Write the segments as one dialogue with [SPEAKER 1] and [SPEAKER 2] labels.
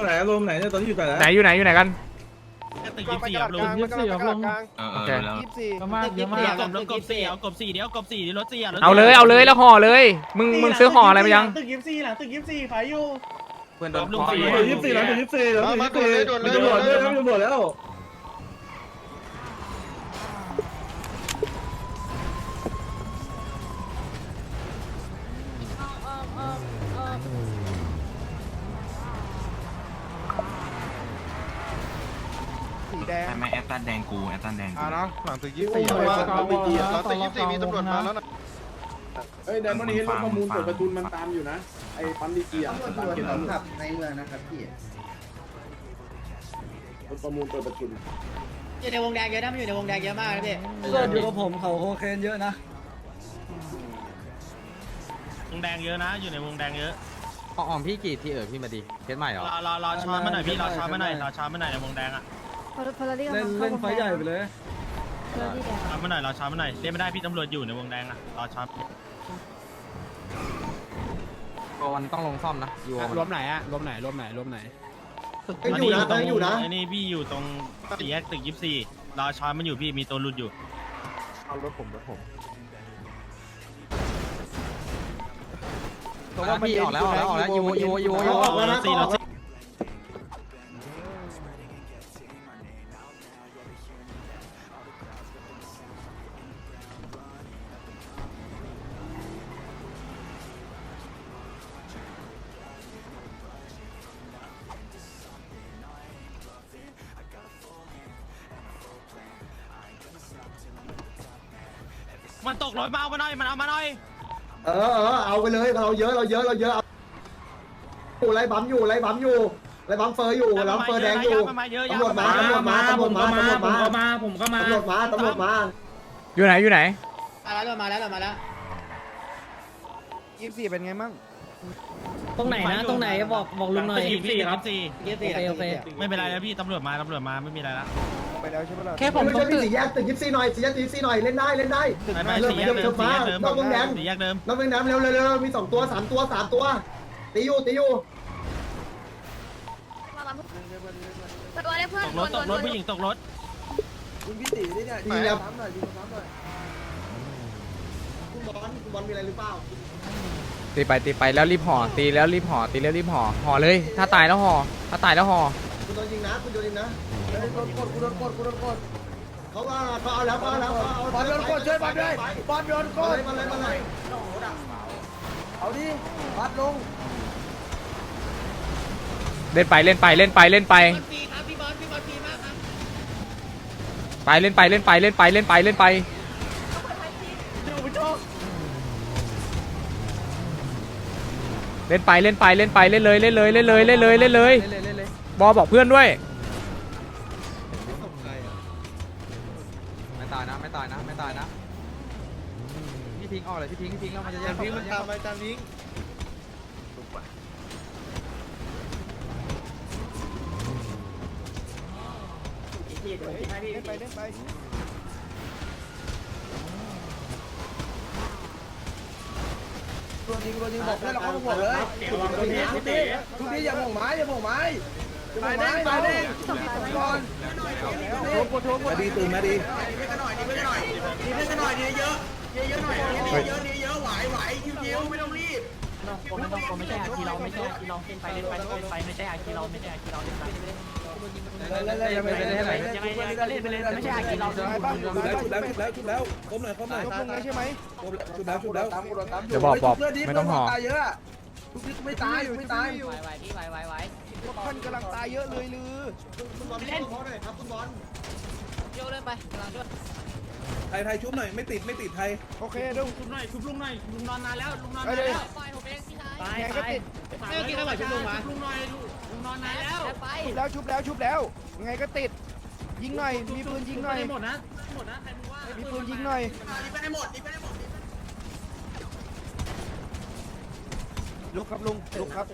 [SPEAKER 1] ไหนรวมไหนเนี่ยตอนนี้อยู่ไหน
[SPEAKER 2] ไหนอยู่ไหนกัน
[SPEAKER 3] ตึก24ครับลุง
[SPEAKER 4] 24ครับลุง
[SPEAKER 2] โอเค
[SPEAKER 4] ก็มากเยอะมาก
[SPEAKER 3] กบ4เอากบ4เดี๋ยวกบ4เดี๋ยวรถ4
[SPEAKER 2] เอาเลยแล้วห่อเลยมึงซื้อห่ออะไรไปยัง
[SPEAKER 5] ตึก24หลังตึก24ขายอยู่
[SPEAKER 3] เพื่อนโดนลุง
[SPEAKER 1] 24แล้ว24แล้วมีตำรวจด้วยมีตำรวจแล้ว
[SPEAKER 4] สีแดง
[SPEAKER 6] ไม่แอตตันแดงกูแอตตันแดง
[SPEAKER 4] อ่ะนะหลังตึก24
[SPEAKER 5] หลังตึก24
[SPEAKER 4] มีตำรวจมาแล้วนะ
[SPEAKER 1] เฮ้ยเดี๋ยววันนี้รถประมูลเปิดประทุนมันตามอยู่นะไอ้ปั๊มดีเกียร์ตามเกียร์ตำรวจ
[SPEAKER 7] ในเมืองนะครับพี่
[SPEAKER 1] รถประมูลเปิดประทุน
[SPEAKER 7] อยู่ในวงแดงเยอะนะมันอยู่ในวงแดงเยอะมากนะพี่
[SPEAKER 5] เกิดอยู่กับผมเขาโคเคนเยอะนะ
[SPEAKER 3] วงแดงเยอะนะอยู่ในวงแดงเยอะ
[SPEAKER 6] อ่อมพี่กี่ที่พี่มาดิเคสใหม่เหรอ
[SPEAKER 3] รอช้อนมาหน่อยพี่รอช้อนมาหน่อยในวงแดงอ่ะ
[SPEAKER 5] เล่นไฟใหญ่ไปเลย
[SPEAKER 3] ช้อนมาหน่อยรอช้อนมาหน่อยเรียกไม่ได้พี่ตำรวจอยู่ในวงแดงอ่ะรอช้อน
[SPEAKER 6] วันต้องลงซ่อมนะอยู่
[SPEAKER 5] รวมไหนอะรวมไหน
[SPEAKER 1] อยู่นะ
[SPEAKER 3] ไอ้นี่พี่อยู่ตรง4แยกตึก24รอช้อนมันอยู่พี่มีตัวหลุดอยู่
[SPEAKER 4] เอารถผม
[SPEAKER 6] พี่ออกแล้วยู
[SPEAKER 3] รถ4มันตกรถมาเอามาหน่อยมันเอามาหน่อย
[SPEAKER 1] เอาไปเลยเราเยอะอยู่ไรบัมไรบัมเฟอร์อยู่ไรเฟอร์แดงอยู่ตำรวจมา
[SPEAKER 2] อยู่ไหน
[SPEAKER 7] มาแล้ว
[SPEAKER 4] 24เป็นไงมั่ง
[SPEAKER 5] ตรงไหนนะตรงไหนบอกลุงหน่อย
[SPEAKER 3] 24ครับ
[SPEAKER 7] โอเค
[SPEAKER 3] ไม่เป็นไรแล้วพี่ตำรวจมาไม่มีอะไรละ
[SPEAKER 4] ไปแล้วใช่ไหมล่ะ
[SPEAKER 5] แค่ผม
[SPEAKER 1] ไม่ใช่พี่สี่แยกตึก24หน่อย4แยกตึก24หน่อยเล่นได้
[SPEAKER 3] ไม่4แยกเดิมนอกวงแดง
[SPEAKER 1] เร็วมี2ตัว3ตัวตีอยู่
[SPEAKER 8] ตัวได้เพื่อน
[SPEAKER 3] ตกรถผู้หญิงตกรถ
[SPEAKER 1] คุณพี่ตีนี่เนี่ยดีแล้วคุณบอลมีอะไรหรือเปล่า
[SPEAKER 2] ตีไปแล้วรีบห่อตีแล้วรีบห่อเลยถ้าตายแล้วห่อ
[SPEAKER 1] คุณโดนยิงนะคุณโดนยิงนะกูโดนกดเขาเอาแล้วบอลโดนกดช่วยบอลด้วยบอลโดนกดมาเลยเอาดิบัดลง
[SPEAKER 2] เล่นไป
[SPEAKER 7] พี่บอลฟรีมากครับ
[SPEAKER 2] ไปเล่นไปเล่นไปเลยบอบอกเพื่อนด้วย
[SPEAKER 6] ไม่ตายนะพี่ทิ้งออกเลยพี่ทิ้งแล้วมันจะแยก
[SPEAKER 4] มันตามไปตามนี้เล่นไปตัวจริงบอกให้เราเข้ามาบอกเลยทุกทีอย่าบ่งไม้ไปเด้งก่อนมาดีตื่นมาดี
[SPEAKER 5] ไม่ใช่อาคีเราไม่ใช่อาคีเราเล่นไปไม่ใช่อาคีเราไม่ใช่อาคีเราเล่นไปยังไงก็เล่นไปเลยไม่ใช่อาคีเรา
[SPEAKER 4] ชุบแล้วก้มหน่อยใช่ไหมชุบแล้ว
[SPEAKER 2] เดี๋ยวบอกไม่ต้องห่อ
[SPEAKER 4] เยอะไม่ตาย
[SPEAKER 7] ไหว
[SPEAKER 4] ท่านกำลังตายเยอะเลยลือ
[SPEAKER 1] คุณบอลเล่นเขาหน่อยครับคุณบอล
[SPEAKER 7] โยกเล่นไปกำลังด้วย
[SPEAKER 5] ไทยชุบหน่อยไม่ติดไทย
[SPEAKER 4] โอเคดู
[SPEAKER 3] ชุบลุงหน่อยลุงนอนนานแล้วลุงนอน
[SPEAKER 4] ไป
[SPEAKER 3] นาน
[SPEAKER 4] เลย
[SPEAKER 3] แล้ว
[SPEAKER 7] ปล่อยผมเองพี่ชาย
[SPEAKER 4] ไงก็ติด
[SPEAKER 7] ไม่กินข้าวชุบลงมา
[SPEAKER 3] ลุงหน่อยลุงนอนนานแล้ว
[SPEAKER 7] ไป
[SPEAKER 4] ชุบแล้วไงก็ติดยิงหน่อยมีปืนยิงหน่อย
[SPEAKER 3] หมดนะใครมึงว่า
[SPEAKER 4] มีปืนยิงหน่อยลุกครับลุกครับ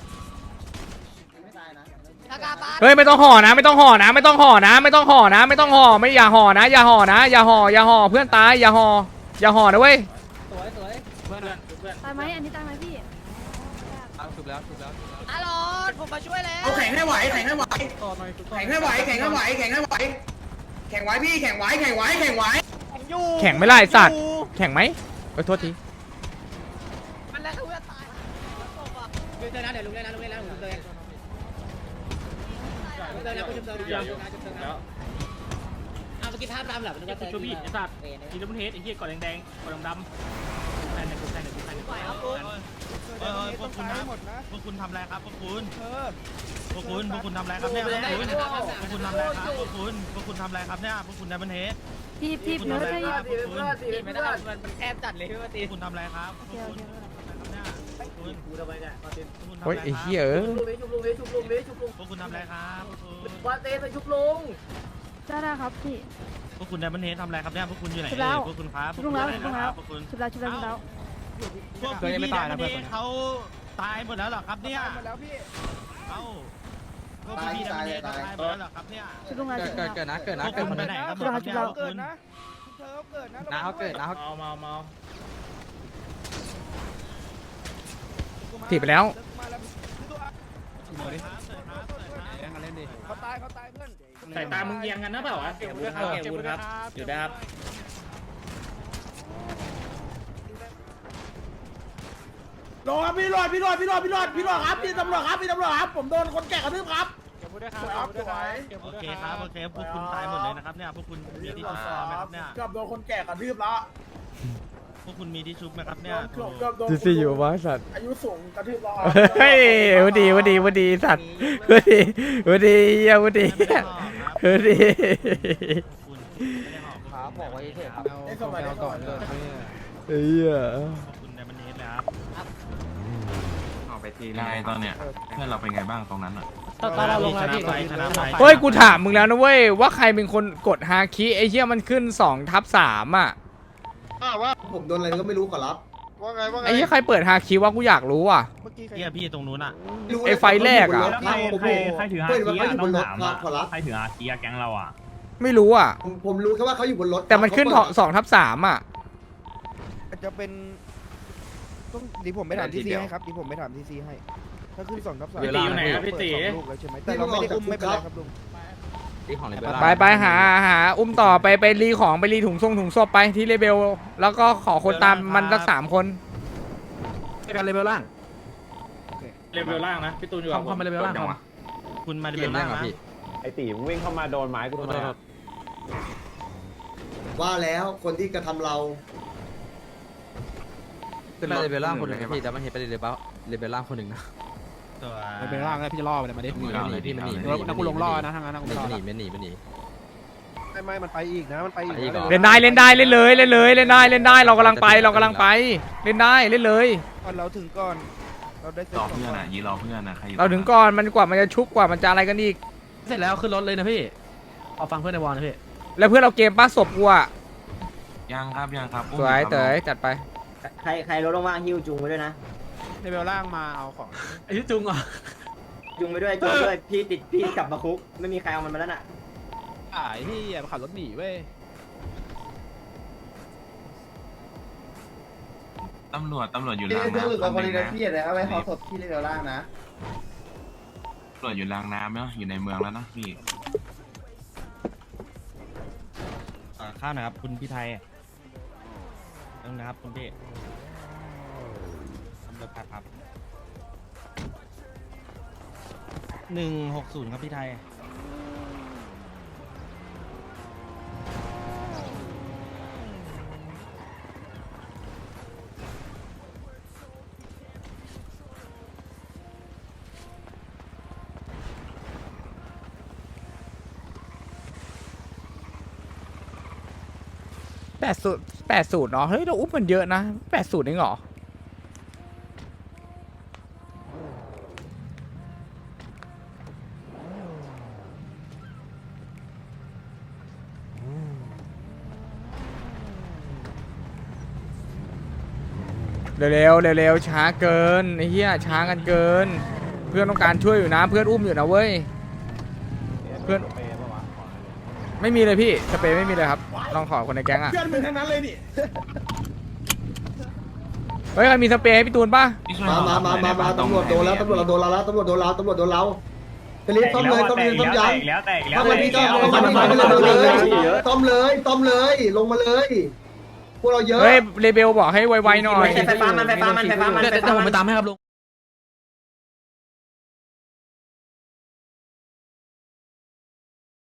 [SPEAKER 7] ทากาปา
[SPEAKER 2] เฮ้ยไม่ต้องห่อนะไม่ห่อเพื่อนตายอย่าห่อนะเว้ย
[SPEAKER 8] ตายไหมอันนี้ตายไหมพี่
[SPEAKER 6] ชุบแล้ว
[SPEAKER 7] ฮัลโหลผมมาช่วยแล้ว
[SPEAKER 5] เอาแข็ง
[SPEAKER 4] งให้ไหวแข่งให้ไหวแข่งให้ไหวแข่งให้ไหวแข่งให้ไหวแข่งไหวพี่แข่งไหวแข่งไหวแข่งไหว
[SPEAKER 2] แข่งไม่ไล่สัตว์แข่งไหมโทษที
[SPEAKER 7] มันแล้วคือตายลุงเตือนนะเดี๋ยวลุงเล่นนะลุงเล่นนะลุงเตือนลุงเตือนนะคุณจุ๊บเตือนนะจุ๊บเตือนนะเอาเมื่อกี้ภาพตามหลับนึกว่า
[SPEAKER 3] ชูบีไอ้สัตว์ทีน้ำมันเฮดไอ้เหี้ยกอดแดงๆกอดดำๆแทนในกูแทนในกูแทนในกูพวกคุณนะพวกคุณทำอะไรครับพวกคุณพวกคุณทำอะไรครับเนี่ยพวกคุณทำอะไรครับพวกคุณทำอะไรครับเนี่ยพวกคุณในมันเฮด
[SPEAKER 7] พี่
[SPEAKER 3] คุณทำอะไรครับพวกคุณ
[SPEAKER 7] ไม่ได้มันแคบจัดเลยพี่ว่าตี
[SPEAKER 3] คุณทำอะไรครับพวกคุณคุณ
[SPEAKER 1] กูทำไมเนี่ย
[SPEAKER 2] โอ้ยไอ้เหี้ย
[SPEAKER 1] ชุบลุงชุบลุงชุบลุง
[SPEAKER 3] พวกคุณทำอะไรครับพวกคุณ
[SPEAKER 1] ว่าเต้ไปชุบลุง
[SPEAKER 8] ได้ครับพี่
[SPEAKER 3] พวกคุณในมันเฮดทำอะไรครับเนี่ยพวกคุณอยู่ไหนพวกคุณครับพวกคุณพวกคุณ
[SPEAKER 8] ชุบแล้วชุบแล้วชุบแล้ว
[SPEAKER 3] พวกพี่ในมันเฮดเขาตายหมดแล้วหรอครับเนี่ยหมดแล้วพี่เอ้าพวกพี่ในมันเฮดตายหมดแล้วหรอครับเนี่ย
[SPEAKER 8] ชุบลงแล้วชุบแล้ว
[SPEAKER 6] เกิดนะเกิดนะ
[SPEAKER 3] พวก
[SPEAKER 6] เกิด
[SPEAKER 3] คุณ
[SPEAKER 6] คน
[SPEAKER 3] ไป
[SPEAKER 6] ไห
[SPEAKER 3] ไห
[SPEAKER 6] น
[SPEAKER 3] น
[SPEAKER 6] ค
[SPEAKER 3] ค
[SPEAKER 6] รั
[SPEAKER 3] รั
[SPEAKER 6] บบ
[SPEAKER 3] เกิดคุณ
[SPEAKER 6] น้าเขาเกิดนะ
[SPEAKER 3] เมา
[SPEAKER 2] ถีบไปแล้ว
[SPEAKER 3] ใส่ตามึงเอียงกันนะเปล่าวะเก็บวุ้นครับเก็บวุ้นครับอยู่ได้ครับ
[SPEAKER 1] รอครับพี่รอดครับพี่ตำรวจครับพี่ตำรวจครับผมโดนคนแก่กระทืบครับ
[SPEAKER 3] โอเคครับโอเคพวกคุณตายหมดเลยนะครับเนี่ยพวกคุณมีที่ชุบไหมครับเนี่ย
[SPEAKER 1] เกือบโดนคนแก่กระทืบแล้ว
[SPEAKER 3] พวกคุณมีที่ชุบไหมครับเนี่ย
[SPEAKER 1] เกือบโดน
[SPEAKER 2] จีซีอยู่วะสัตว์
[SPEAKER 1] อายุสูงกระทืบแล้ว
[SPEAKER 2] เฮ้ยวันดีสัตว์วันดีเหี้ยวันดีวันดี
[SPEAKER 3] คุณไม่ได้หอบ
[SPEAKER 6] ครับบอกไว้เถอะครับ
[SPEAKER 1] ไอ้สมัยก่อนเลย
[SPEAKER 2] เหี้ย
[SPEAKER 3] คุณในมันเฮดเลยครับ
[SPEAKER 9] เอาไปทียังไงตอนเนี้ยเพื่อนเราเป็นไงบ้างตรงนั้นอ่ะ
[SPEAKER 5] ตอนเราลงแล้วพี่
[SPEAKER 3] ชนะไป
[SPEAKER 2] เฮ้ยกูถามมึงแล้วนะเว้ยว่าใครเป็นคนกดฮาคิไอ้เหี้ยมันขึ้น2/3อ่ะ
[SPEAKER 1] ผมโดนอะไรก็ไม่รู้ขอรับ
[SPEAKER 2] ไอ้เหี้ยใครเปิดฮาคิวะกูอยากรู้อ่ะ
[SPEAKER 3] เฮียพี่ตรงนู้นอ่ะ
[SPEAKER 2] ไอ้ไฟแรกอะ
[SPEAKER 1] ใครถือฮาคิอะต้องถามขอรับ
[SPEAKER 3] ใครถืออาเกียแก๊งเราอ่ะ
[SPEAKER 2] ไม่รู้อ่ะ
[SPEAKER 1] ผมรู้แค่ว่าเขาอยู่บนรถ
[SPEAKER 2] แต่มันขึ้น2/3อ่ะ
[SPEAKER 4] จะเป็นต้องดีผมไม่ถามทีซีให้ครับดีผมไม่ถามทีซีให้ถ้าขึ้น2/3
[SPEAKER 3] พี่ตีอยู่ไหนครับพี่ตี
[SPEAKER 4] ลูกแล้วใช่ไหมแต่เราไม่ได้อุ้มไม่เป็นไรครับลุง
[SPEAKER 6] ที่ของเลย
[SPEAKER 2] ไปหาอุ้มต่อไปรีของไปรีถุงศพไปที่เลเบลแล้วก็ขอคนตามมันสัก3 คน
[SPEAKER 6] กันเลเวลล่าง
[SPEAKER 3] เลเวลล่างนะพี่ตูนอยู่
[SPEAKER 6] ทำมาเลเวลล่าง
[SPEAKER 9] จังหวะ
[SPEAKER 3] คุณมาเล
[SPEAKER 6] เก
[SPEAKER 3] เว
[SPEAKER 6] ม
[SPEAKER 3] ล
[SPEAKER 6] แร
[SPEAKER 3] ล่าก ง
[SPEAKER 6] เหรอ
[SPEAKER 3] นะ
[SPEAKER 6] พี่
[SPEAKER 10] ไอตีมึงวิ่งเข้ามาโดนไม้กูทำไมอะ
[SPEAKER 1] ว่าแล้วคนที่กระทำเรา
[SPEAKER 6] ขึ้นมาเลเวลล่างคนหนึ่งพี่แต่มันเห็นไปเลเวลล่างคนหนึ่งนะ
[SPEAKER 3] ตัว
[SPEAKER 6] เลเวลล่างแล้วพี่จะล่อไปเลยมาดิหนีพี่มันหนีแล้วกูลงล่อนะทางนั้นกูล่อมันหนี
[SPEAKER 4] ไม่มันไปอีกนะมันไปอีก
[SPEAKER 2] เล่นได้เล่นเลยเล่นได้เรากำลังไปเล่นได้เล่นเลย
[SPEAKER 4] ก่อนเราถึงก่อนเราได้
[SPEAKER 9] รอเพื่อนอ่ะยีรอเพื่อนนะใคร
[SPEAKER 2] เราถึงก่อนมันกว่ามันจะชุบกว่ามันจะอะไรกันอีก
[SPEAKER 6] เสร็จแล้วขึ้นรถเลยนะพี่เอาฟังเพื่อนในวอลนะพี่
[SPEAKER 2] แล้วเพื่อนเราเกมป้าศพกูอ่ะ
[SPEAKER 9] ยังครับ
[SPEAKER 2] สวยเต๋อจัดไป
[SPEAKER 1] ใครรถว่างหิ้วจุงไปด้วยนะ
[SPEAKER 6] เลเวลล่างมาเอาของไอ้ที่จุงอ่ะ
[SPEAKER 1] จุงไปด้วยพี่กลับมาคุกไม่มีใครเอามันมาแล้วน่ะ
[SPEAKER 6] ไอ้ที่ขับรถหนีเว้ย
[SPEAKER 9] ตำรวจอยู่รางน้ำคนนึงนะ
[SPEAKER 1] พี่อะไรเอาไว้ขอศพที่เรือล่างนะ
[SPEAKER 9] ตำรวจอยู่รางน้ำเนาะอยู่ในเมืองแล้วนะพี่
[SPEAKER 3] ข้าวนะครับคุณพี่ไทยต้องนะครับคุณพี่ตำรวจครับ160ครับพี่ไทย
[SPEAKER 2] 80เนาะเฮ้ยเราอุ้มมันเยอะนะ80เองเหรอเร็วช้าเกินไอ้เหี้ยช้ากันเกิน เพื่อนต้องการช่วยอยู่นะเพื่อนอุ้มอยู่นะเว้ยเพื่อนไม่มีเลยพี่สเปรย์ไม่มีเลยครับลองขอคนในแก๊งอ่ะ
[SPEAKER 1] เพื่อนมึงทั้งนั้นเลยนี่
[SPEAKER 2] เฮ้ยใครมีสเปรย์ให้พี่ตูนป่ะ
[SPEAKER 9] มา
[SPEAKER 1] ตำรวจโดนเราแล้วตำรวจโดนเราเลิปซ่อมเลยซ่อมเลยซ่อมยาง
[SPEAKER 3] แล้วแต่แล้ว
[SPEAKER 1] ซ่อมเลยพี่ซ่อมเลยซ่อมเลยซ่อมเลยลงมาเลยพวกเราเยอะ
[SPEAKER 2] เฮ้ยเรเบลบอกให้ไวๆหน่อย
[SPEAKER 7] ไฟฟ้ามัน
[SPEAKER 6] เดี๋ยวผมไปตามให้ครับลุง